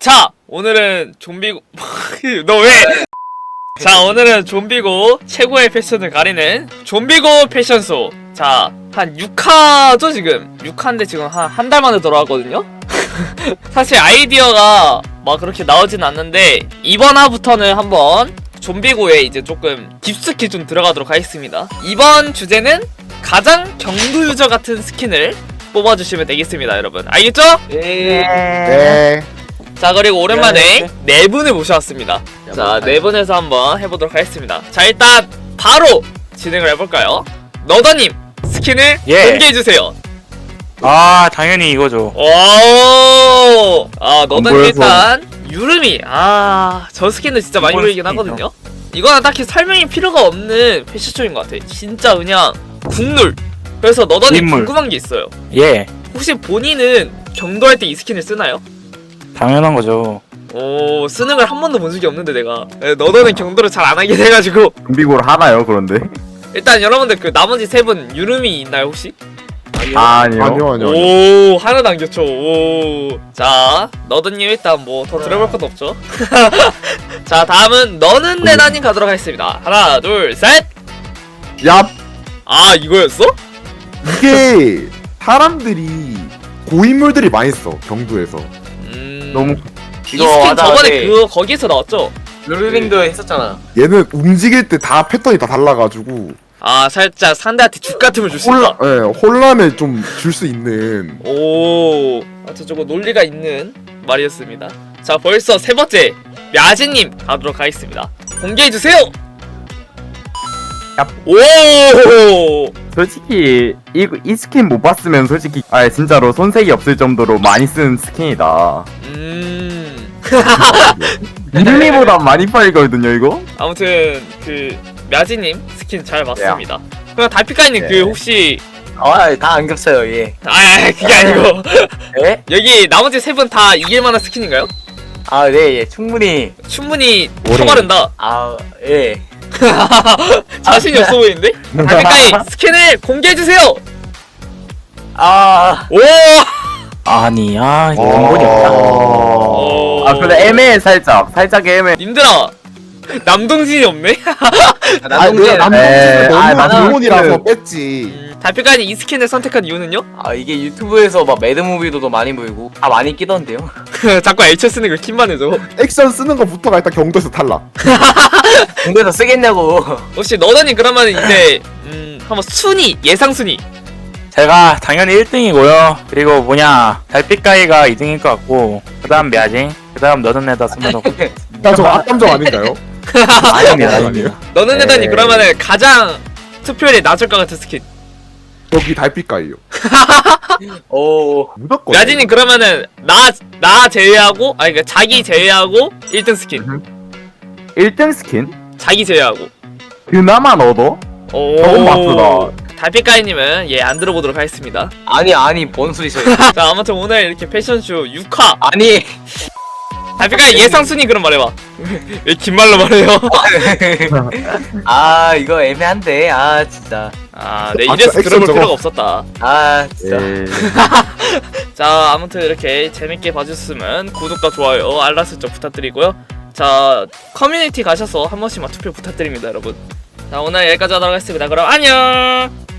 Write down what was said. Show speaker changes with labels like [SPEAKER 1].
[SPEAKER 1] 자, 오늘은 좀비고 너 왜? 자, 오늘은 좀비고 최고의 패션을 가리는 좀비고 패션쇼. 자, 한 6화죠 지금. 6화인데 지금 한 달 만에 돌아왔거든요. 사실 아이디어가 막 그렇게 나오진 않는데 이번 화부터는 한번 좀비고에 이제 조금 깊숙이 좀 들어가도록 하겠습니다. 이번 주제는 가장 경도 유저 같은 스킨을 뽑아주시면 되겠습니다, 여러분. 알겠죠?
[SPEAKER 2] 네.
[SPEAKER 1] 자, 그리고 오랜만에 네 분을 모셔왔습니다. 자, 네 분에서 한번 해보도록 하겠습니다. 자, 일단 바로 진행을 해볼까요? 너더님 스킨을 공개해주세요.
[SPEAKER 3] 아, 당연히 이거죠.
[SPEAKER 1] 오, 아, 너더님
[SPEAKER 2] 보여서.
[SPEAKER 1] 일단 유름이, 저 스킨은 진짜 많이
[SPEAKER 3] 이번
[SPEAKER 1] 보이긴
[SPEAKER 3] 스킨이죠.
[SPEAKER 1] 하거든요. 이거는 딱히 설명이 필요가 없는 패션쇼인 것 같아. 진짜 그냥 국룰. 그래서 너더님
[SPEAKER 3] 인물.
[SPEAKER 1] 궁금한 게 있어요.
[SPEAKER 3] 예,
[SPEAKER 1] 혹시 본인은 경도할 때 이 스킨을 쓰나요?
[SPEAKER 3] 당연한 거죠.
[SPEAKER 1] 오, 쓰는 걸 한 번도 본 적이 없는데 내가. 너더는 경도를 잘 안 하긴 해가지고.
[SPEAKER 2] 좀비고를 하나요, 그런데?
[SPEAKER 1] 일단 여러분들 그 나머지 세 분 유름이 있나요 혹시?
[SPEAKER 2] 아니요.
[SPEAKER 1] 오, 하나도 안 겹쳐. 오. 자, 너드님 일단 뭐 더 들어볼 것도 없죠. 자, 다음은 너는 내나님 가도록 하겠습니다. 하나, 둘, 셋.
[SPEAKER 2] 야,
[SPEAKER 1] 아, 이거였어?
[SPEAKER 2] 이게 사람들이 고인물들이 많이 써, 경두에서. 너무
[SPEAKER 1] 이 스킨 저번에 그거 거기서 나왔죠?
[SPEAKER 4] 룰링도 했었잖아.
[SPEAKER 2] 얘는 움직일 때 다 패턴이 다 달라가지고
[SPEAKER 1] 아, 살짝 상대한테 죽 같음을 줄 수 있다.
[SPEAKER 2] 혼란을 좀 줄 수 있는.
[SPEAKER 1] 오, 저거 논리가 있는 말이었습니다. 자, 벌써 세 번째 мя지님 가도록 하겠습니다. 공개해 주세요. 오,
[SPEAKER 5] 솔직히 이 스킨 못 봤으면 솔직히 진짜로 손색이 없을 정도로 많이 쓴 스킨이다. 이름이보다 많이 팔리거든요 이거.
[SPEAKER 1] 아무튼 그 мя지님 스킨 잘 봤습니다. 그럼 달피카님 그 혹시
[SPEAKER 4] 다 안 겹쳐요, 얘.
[SPEAKER 1] 그게 아니고
[SPEAKER 4] 예?
[SPEAKER 1] 여기 나머지 세 분 다 이길만한 스킨인가요?
[SPEAKER 4] 네, 예, 충분히.
[SPEAKER 1] 충분히 쳐바른다.
[SPEAKER 4] 예.
[SPEAKER 1] 자신이 없어 보이는데? 달피카님 스킨을 공개해 주세요.
[SPEAKER 4] 아,
[SPEAKER 1] 오.
[SPEAKER 3] 아니,
[SPEAKER 5] 원본이 없다.
[SPEAKER 1] 오.
[SPEAKER 5] 근데 애매해 살짝 애매해.
[SPEAKER 1] 님들아, 남동진이 없네?
[SPEAKER 4] 남동진.
[SPEAKER 5] 네.
[SPEAKER 2] 너무
[SPEAKER 5] 나는
[SPEAKER 2] 기본이라서 뺐지.
[SPEAKER 1] 달피카님 이 스킨을 선택한 이유는요?
[SPEAKER 4] 이게 유튜브에서 막 매드무비도도 많이 보이고, 다 많이 끼던데요.
[SPEAKER 1] 자꾸 H 쓰는 걸 킴만 해줘.
[SPEAKER 2] 액션 쓰는 것부터가 일단 경도에서 탈락.
[SPEAKER 4] 공부해서 쓰겠냐고.
[SPEAKER 1] 혹시 너더님 그러면 이제 한번 순위, 예상 순위.
[SPEAKER 3] 제가 당연히 1등이고요. 그리고 달빛가이가 2등일 것 같고, 그 다음 мя지, 그 다음 너는 내다 스무더.
[SPEAKER 2] 나 저거 악감정 아닌가요?
[SPEAKER 3] 아닙니다.
[SPEAKER 1] 너는 내다니
[SPEAKER 5] 에이.
[SPEAKER 1] 그러면은 가장 투표율이 낮을 것 같은 스킨.
[SPEAKER 2] 여기 달빛가이요.
[SPEAKER 4] 오,
[SPEAKER 2] 무조건.
[SPEAKER 1] 야진님 그러면은 나 제외하고 그러니까 자기 제외하고 1등 스킨.
[SPEAKER 5] 1등 스킨?
[SPEAKER 1] 자기 제외하고.
[SPEAKER 5] 그나마 너도?
[SPEAKER 1] 오.
[SPEAKER 5] 너무 바쁘다.
[SPEAKER 1] 달빛가이님은 안 들어보도록 하겠습니다.
[SPEAKER 4] 아니, 뭔 소리세요?
[SPEAKER 1] 자, 아무튼 오늘 이렇게 패션쇼 6화.
[SPEAKER 4] 아니,
[SPEAKER 1] 달빛가이 예상 순위 그럼 말해봐. 왜 긴 말로 말해요?
[SPEAKER 4] 이거 애매한데, 진짜.
[SPEAKER 1] 네,
[SPEAKER 2] 아,
[SPEAKER 1] 이래서
[SPEAKER 2] 액션
[SPEAKER 1] 들어볼
[SPEAKER 2] 저거.
[SPEAKER 1] 필요가 없었다.
[SPEAKER 4] 진짜.
[SPEAKER 1] 자, 아무튼 이렇게 재밌게 봐주셨으면 구독과 좋아요, 알람 설정 부탁드리고요. 자, 커뮤니티 가셔서 한 번씩만 투표 부탁드립니다, 여러분. 자, 오늘 여기까지 하도록 하겠습니다. 그럼 안녕!